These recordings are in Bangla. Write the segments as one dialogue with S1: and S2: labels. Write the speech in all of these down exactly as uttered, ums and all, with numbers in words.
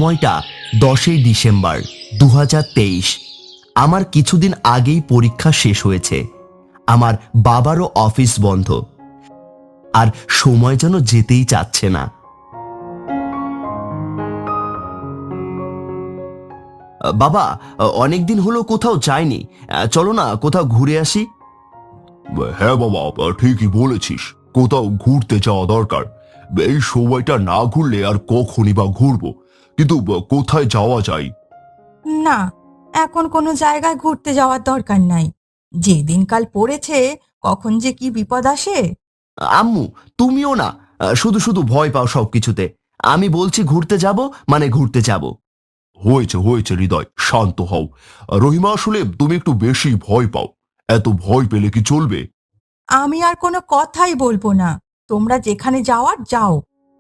S1: সময়টা দশই ডিসেম্বর দু হাজার তেইশ। আমার কিছুদিন আগেই পরীক্ষা শেষ হয়েছে। আমার বাবারও অফিস বন্ধ, আর সময় যেন যেতেই চাচ্ছে না। বাবা, অনেকদিন হলো কোথাও যায়নি, চলো না কোথাও ঘুরে আসি।
S2: হ্যাঁ বাবা, ঠিকই বলেছিস, কোথাও ঘুরতে যাওয়া দরকার। এই সময়টা না ঘুরলে আর কখনই বা ঘুরবো, কিন্তু কোথায় যাওয়া যায়?
S3: না, এখন কোনো জায়গায় ঘুরতে যাওয়ার দরকার নাই। যে দিনকাল পড়েছে, কখন যে কি বিপদ আসে।
S1: আম্মু, তুমিও না শুধু শুধু ভয় পাও সবকিছুতে। আমি বলছি ঘুরতে যাব মানে ঘুরতে যাব।
S2: হয়েছে হয়েছে হৃদয়, শান্ত হও। রহিমা, আসলে তুমি একটু বেশি ভয় পাও। এত ভয় পেলে কি চলবে?
S3: আমি আর কোনো কথাই বলবো না, তোমরা যেখানে যাওয়ার যাও।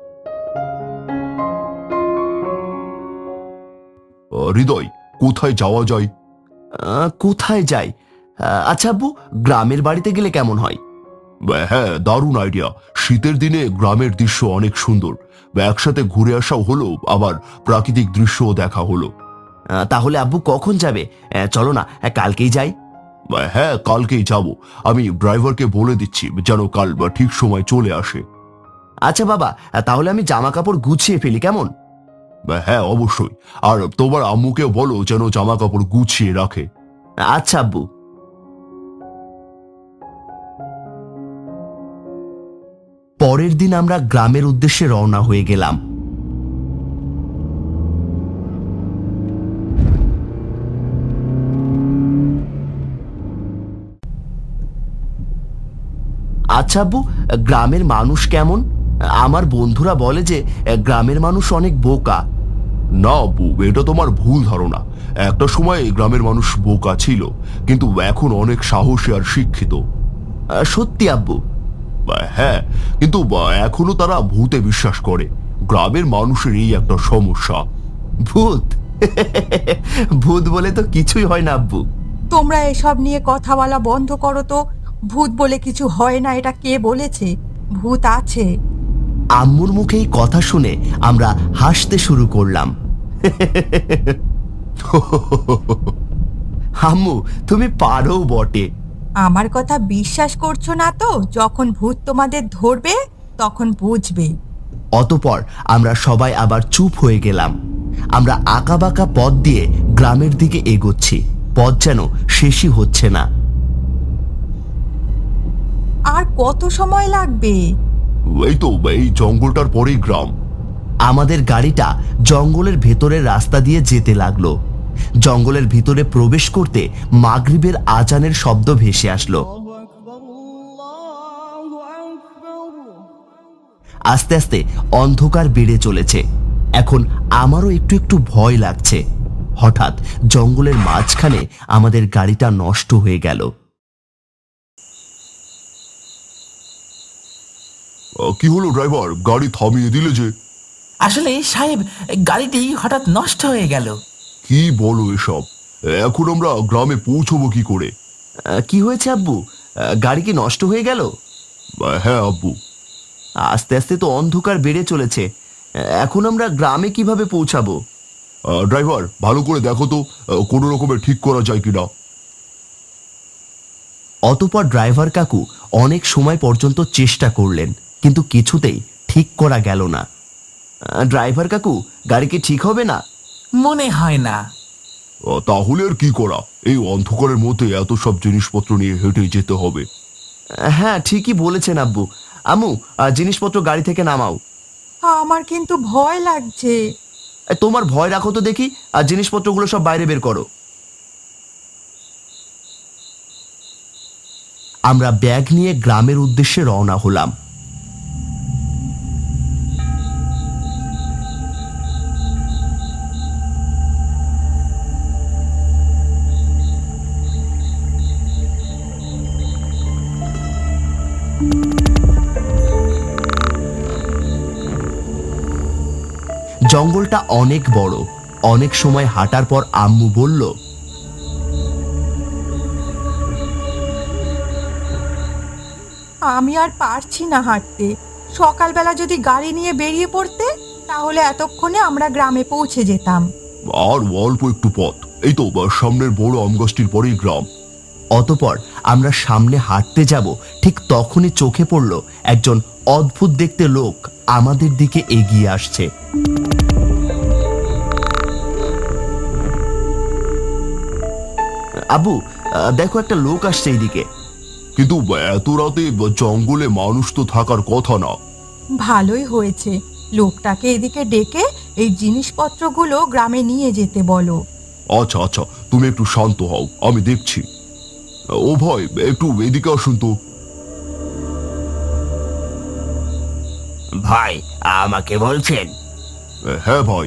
S2: আহ, হৃদয়, কোথায় যাওয়া যায়?
S1: আহ, কোথায় যাই? আহ, আচ্ছা আব্বু, গ্রামের বাড়িতে গেলে কেমন হয়?
S2: হ্যাঁ, দারুণ আইডিয়া। শীতের দিনে গ্রামের দৃশ্য অনেক সুন্দর। একসাথে ঘুরে আসাও হলো, আবার প্রাকৃতিক দৃশ্যও দেখা হলো।
S1: আহ, তাহলে আব্বু কখন যাবে? আহ, চলো না, আহ, কালকেই যাই।
S2: হ্যাঁ, কালকেই যাব। আমি ড্রাইভারকে বলে দিচ্ছি যেন কাল ঠিক সময় চলে আসে।
S1: আচ্ছা বাবা, আহ, তাহলে আমি জামা কাপড় গুছিয়ে ফেলি, কেমন?
S2: হ্যাঁ, অবশ্যই। আর তোমার আম্মুকে বলো যেন জামা কাপড় গুছিয়ে রাখে।
S1: আচ্ছা আব্বু। পরের দিন আমরা গ্রামের উদ্দেশ্যে রওনা হয়ে গেলাম। আচ্ছা আব্বু, গ্রামের মানুষ কেমন? আমার বন্ধুরা বলে যে গ্রামের মানুষ অনেক বোকা।
S2: না আব্বু, এটা তোমার ভুল ধারণা। একটা সময় গ্রামের মানুষ বোকা ছিল, কিন্তু এখন অনেক সাহসী আর শিক্ষিত।
S1: আহ, সত্যি আব্বু?
S2: হ্যাঁ, কিন্তু এখনো তারা ভূতে বিশ্বাস করে। গ্রামের মানুষের এই একটা সমস্যা।
S1: ভূত? ভূত বলে তো কিছুই হয় না আব্বু।
S3: তোমরা এসব নিয়ে কথা বলা বন্ধ করো তো। ভূত বলে কিছু হয় না, এটা কে বলেছে? ভূত আছে।
S1: আম্মুর মুখে এই কথা শুনে আমরা হাসতে শুরু করলাম। আম্মু, তুমি পারো বটে।
S3: আমার কথা বিশ্বাস করছো না তো? যখন ভূত তোমাদের ধরবে তখন বুঝবে।
S1: অতপর আমরা সবাই আবার চুপ হয়ে গেলাম। আমরা আঁকাবাঁকা পথ দিয়ে গ্রামের দিকে এগোচ্ছি, পথ যেন শেষই হচ্ছে না।
S3: আর কত সময় লাগবে?
S2: এই তো, এই জঙ্গলটার পরেই গ্রাম।
S1: আমাদের গাড়িটা জঙ্গলের ভেতরের রাস্তা দিয়ে যেতে লাগলো। জঙ্গলের ভিতরে প্রবেশ করতে মাগরিবের আজানের শব্দ ভেসে আসলো। আস্তে আস্তে অন্ধকার বেড়ে চলেছে। এখন আমারও একটু একটু ভয় লাগছে। হঠাৎ জঙ্গলের মাঝখানে আমাদের গাড়িটা নষ্ট হয়ে গেল।
S2: কি হলো ড্রাইভার, গাড়ি থামিয়ে দিলে যে?
S4: আসলে সাহেব, গাড়িটি হঠাৎ নষ্ট হয়ে গেল।
S2: কি বলো এসব? এখন আমরা গ্রামে পৌঁছবো কি করে?
S1: আহ, কি হয়েছে আব্বু? আহ, গাড়ি কি নষ্ট হয়ে গেল?
S2: হ্যাঁ আব্বু।
S1: আস্তে আস্তে তো অন্ধকার বেড়ে চলেছে। এখন আমরা গ্রামে কিভাবে পৌঁছাবো?
S2: ড্রাইভার, ভালো করে দেখো তো কোনো রকমে ঠিক করা যায় কিনা।
S1: অতঃপর ড্রাইভার কাকু অনেক সময় পর্যন্ত চেষ্টা করলেন, কিন্তু কিছুতেই ঠিক করা গেল না। আহ, ড্রাইভার কাকু, গাড়ি কি ঠিক হবে না?
S4: মনে হয় না।
S2: আহ, তাহলে আর কি করা? এই অন্ধকারের মধ্যে এত সব জিনিসপত্র নিয়ে হেঁটে যেতে হবে।
S1: আহ, হ্যাঁ, ঠিকই বলেছেন আব্বু। আম্মু, আহ, জিনিসপত্র গাড়ি থেকে নামাও।
S3: আমার কিন্তু ভয় লাগছে।
S1: এ, তোমার ভয় রাখো তো দেখি, আর জিনিসপত্রগুলো সব বাইরে বের করো। আমরা ব্যাগ নিয়ে গ্রামের উদ্দেশ্যে রওনা হলাম। জঙ্গলটা অনেক বড়। অনেক সময় হাঁটার পর আম্মু বলল,
S3: আমি আর পারছি না হাঁটতে। সকালবেলা যদি গাড়ি নিয়ে বেরিয়ে পড়তে, তাহলে এতক্ষণে আমরা গ্রামে পৌঁছে যেতাম।
S2: আর অল্প একটু পথ, এই তো বা সামনের বড় আম গাছটির পরেই গ্রাম।
S1: অতপর আমরা সামনে হাঁটতে যাব, ঠিক তখনই চোখে পড়ল একজন অদ্ভুত দেখতে লোক আমাদের দিকে এগিয়ে আসছে। আবু, আহ, দেখো একটা লোক আসছে এইদিকে।
S2: কিন্তু এত রাতে জঙ্গলে মানুষ তো থাকার কথা না।
S3: ভালোই হয়েছে, লোকটাকে এদিকে ডেকে এই জিনিসপত্রগুলো গ্রামে নিয়ে যেতে বলো।
S2: আচ্ছা আচ্ছা, তুমি একটু শান্ত হও, আমি দেখছি। ও ভাই, একটু এদিকে আসুন তো।
S1: ভাই, আমাকে বলছেন?
S2: হ্যাঁ ভাই।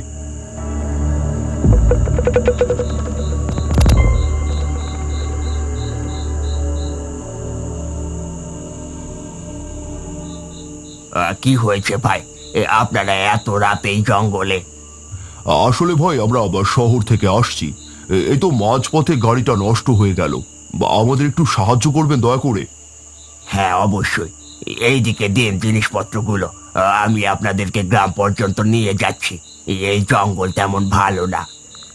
S1: কি হয়েছে ভাই, আপনারা এত রাতে এই জঙ্গলে?
S2: আসলে ভাই, আমরা আবার শহর থেকে আসছি। এ- এই তো মাঝপথে গাড়িটা নষ্ট হয়ে গেল। বা আমাদের একটু সাহায্য করবেন দয়া করে?
S1: হ্যাঁ অবশ্যই, এইদিকে দিন জিনিসপত্রগুলো, আমি আপনাদেরকে গ্রাম পর্যন্ত নিয়ে যাচ্ছি। এই জঙ্গল তেমন ভালো না।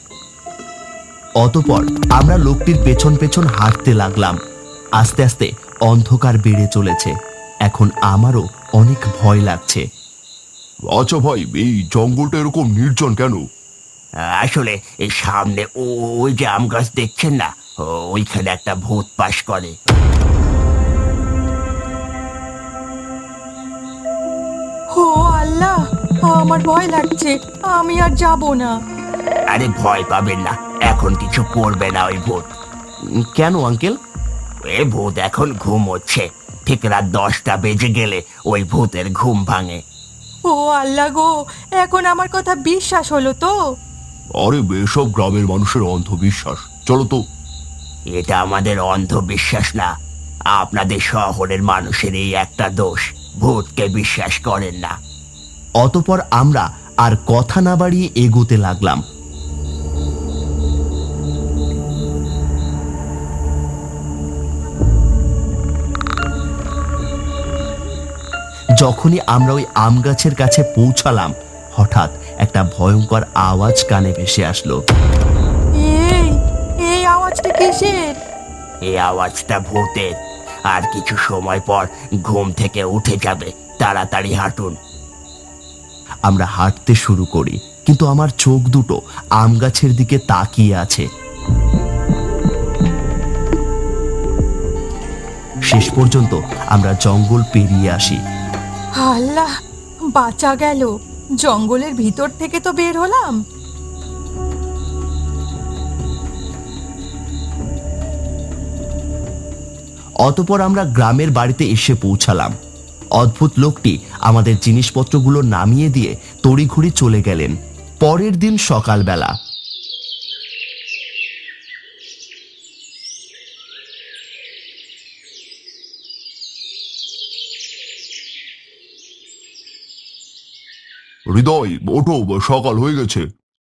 S1: অতঃপর আমরা লোকটির পেছন পেছন হাঁটতে লাগলাম। আস্তে আস্তে অন্ধকার বেড়ে চলেছে। এখন আমারও অনেক ভয় লাগছে।
S2: আচ্ছা ভাই, এই জঙ্গলটা এরকম নির্জন কেন?
S1: আসলে এই সামনে ও- ওই যে আম গাছ দেখছেন না, ও- ওইখানে একটা ভূত বাস করে।
S3: ও আল্লাহ, আমার ভয় লাগছে, আমি আর যাব না।
S1: আরে ভয় পাবেন না, এখন কিছু করবে না ওই ভূত। কেন আঙ্কেল? এ ভূত এখন ঘুমোচ্ছে, ঠিক রাত দশটা বেজে গেলে ওই ভূতের ঘুম ভাঙে।
S3: ও আল্লাহ গো, এখন আমার কথা বিশ্বাস হলো তো?
S2: আরে এসব গ্রামের মানুষের অন্ধবিশ্বাস, চলো তো।
S1: এটা আমাদের অন্ধবিশ্বাস না, আপনাদের শহরের মানুষের এই একটা দোষ, ভূতকে বিশ্বাস করেন না। অতপর আমরা আর কথা না বাড়িয়ে এগোতে লাগলাম। যখনই আমরা ওই আম গাছের কাছে পৌঁছালাম, হঠাৎ একটা ভয়ঙ্কর আওয়াজ কানে ভেসে আসলো।
S3: এই এই আওয়াজটা কিসের?
S1: এই আওয়াজটা ভূতের। আর কিছু সময় পর ঘুম থেকে উঠে যাবে, তাড়াতাড়ি হাঁটুন। আমরা হাঁটতে শুরু করি, কিন্তু আমার চোখ দুটো আম গাছের দিকে তাকিয়ে আছে। শেষ পর্যন্ত আমরা জঙ্গল পেরিয়ে আসি।
S3: আল্লাহ, বাঁচা গেল, জঙ্গলের ভিতর থেকে তো বের হলাম।
S1: অতপর আমরা গ্রামের বাড়িতে এসে পৌঁছালাম। অদ্ভুত লোকটি আমাদের জিনিসপত্রগুলো নামিয়ে দিয়ে তড়িঘড়ি চলে গেলেন। পরের দিন সকালবেলা
S2: হৃদয়, ওঠো, সকাল হয়ে গেছে।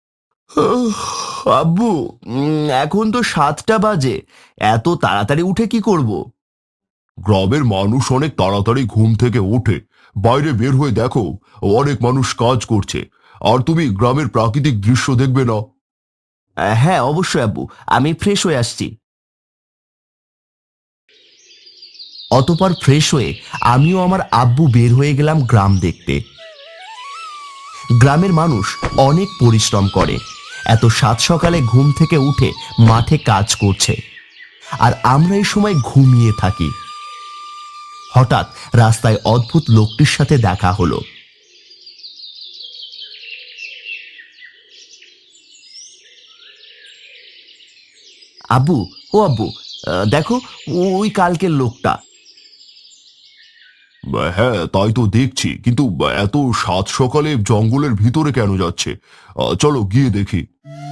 S1: আব্বু, উম, এখন তো সাতটা বাজে, এত তাড়াতাড়ি উঠে কি করব?
S2: গ্রামের মানুষ অনেক তাড়াতাড়ি ঘুম থেকে ওঠে। বাইরে বের হয়ে দেখো, অনেক মানুষ কাজ করছে। আর তুমি গ্রামের প্রাকৃতিক দৃশ্য দেখবে না?
S1: আহ, হ্যাঁ অবশ্যই আব্বু, আমি ফ্রেশ হয়ে আসছি। অতপর ফ্রেশ হয়ে আমিও আমার আব্বু বের হয়ে গেলাম গ্রাম দেখতে। গ্রামের মানুষ অনেক পরিশ্রম করে, এত সাত সকালে ঘুম থেকে উঠে মাঠে কাজ করছে, আর আমরা এই সময় ঘুমিয়ে থাকি। হঠাৎ রাস্তায় অদ্ভুত লোকটির সাথে দেখা হলো। আব্বু, ও আব্বু, আহ, দেখো, ওই কালকের লোকটা।
S2: হ্যাঁ, তাই তো দেখছি, কিন্তু এত সাত সকালে জঙ্গলের ভিতরে কেন যাচ্ছে? আহ, চলো গিয়ে দেখি।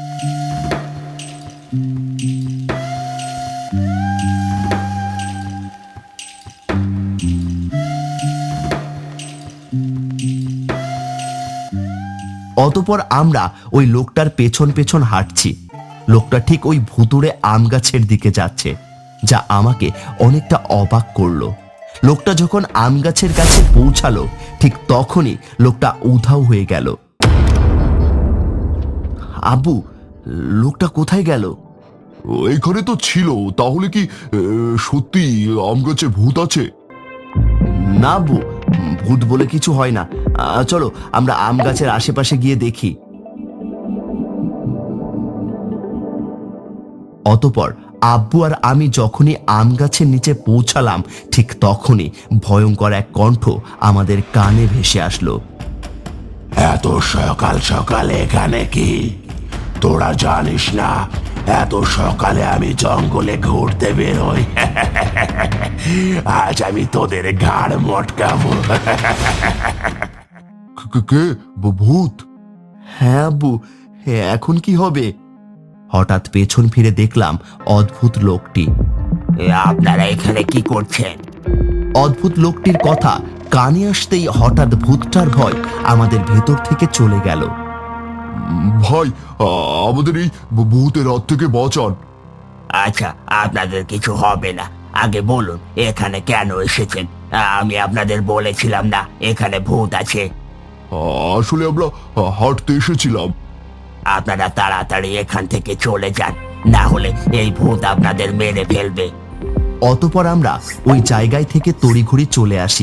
S1: অতপর আমরা ওই লোকটার পেছন পেছন হাঁটছি। লোকটা ঠিক ওই ভুতুড়ে আম গাছের দিকে যাচ্ছে, যা আমাকে অনেকটা অবাক করলো। লোকটা যখন আম গাছের কাছে পৌঁছালো, ঠিক তখনই লোকটা উধাও হয়ে গেল। আব্বু, লোকটা কোথায় গেল?
S2: এখানে তো ছিল, তাহলে কি এ, সত্যি আম গাছে ভূত আছে?
S1: না আব্বু, ভূত বলে কিছু হয় না। আহ, চলো আমরা আম গাছের আশেপাশে গিয়ে দেখি। অতঃপর আব্বু আর আমি যখনই আম গাছের নিচে পৌঁছালাম, ঠিক তখনই ভয়ঙ্কর এক কণ্ঠ আমাদের কানে ভেসে আসলো।
S2: এত সকাল সকালে এখানে কি? তোরা জানিস না এত সকালে আমি জঙ্গলে ঘুরতে বেরোই? আজ আমি তোদের ঘাড় মটকাবো। কে? ভূত?
S1: হ্যাঁ আব্বু, এখন কি হবে? হঠাৎ পেছন ফিরে দেখলাম অদ্ভুত লোকটি।
S4: আপনারা এখানে কি করছেন?
S1: অদ্ভুত লোকটির কথা কানে আসতেই হঠাৎ ভূতটার ভয় আমাদের ভেতর থেকে চলে গেল।
S2: ভাই, আ- আমাদের এই ভূতের হাত থেকে বাঁচান।
S4: আচ্ছা, আপনাদের কিছু হবে না। আগে বলুন এখানে কেন এসেছেন? আমি আপনাদের বলেছিলাম না এখানে ভূত আছে?
S2: আসলে আমরা হাঁটতে এসেছিলাম।
S4: আপনারা তাড়াতাড়ি এখান থেকে চলে যান, না হলে এই ভূত আপনাদের মেরে ফেলবে।
S1: অতঃপর আমরা ওই জায়গায় থেকে তড়িঘড়ি চলে আসি।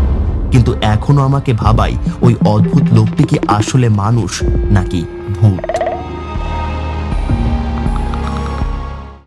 S1: কিন্তু এখনো আমাকে ভাবাই ওই অদ্ভুত লোকটি কি আসলে মানুষ নাকি ভূত।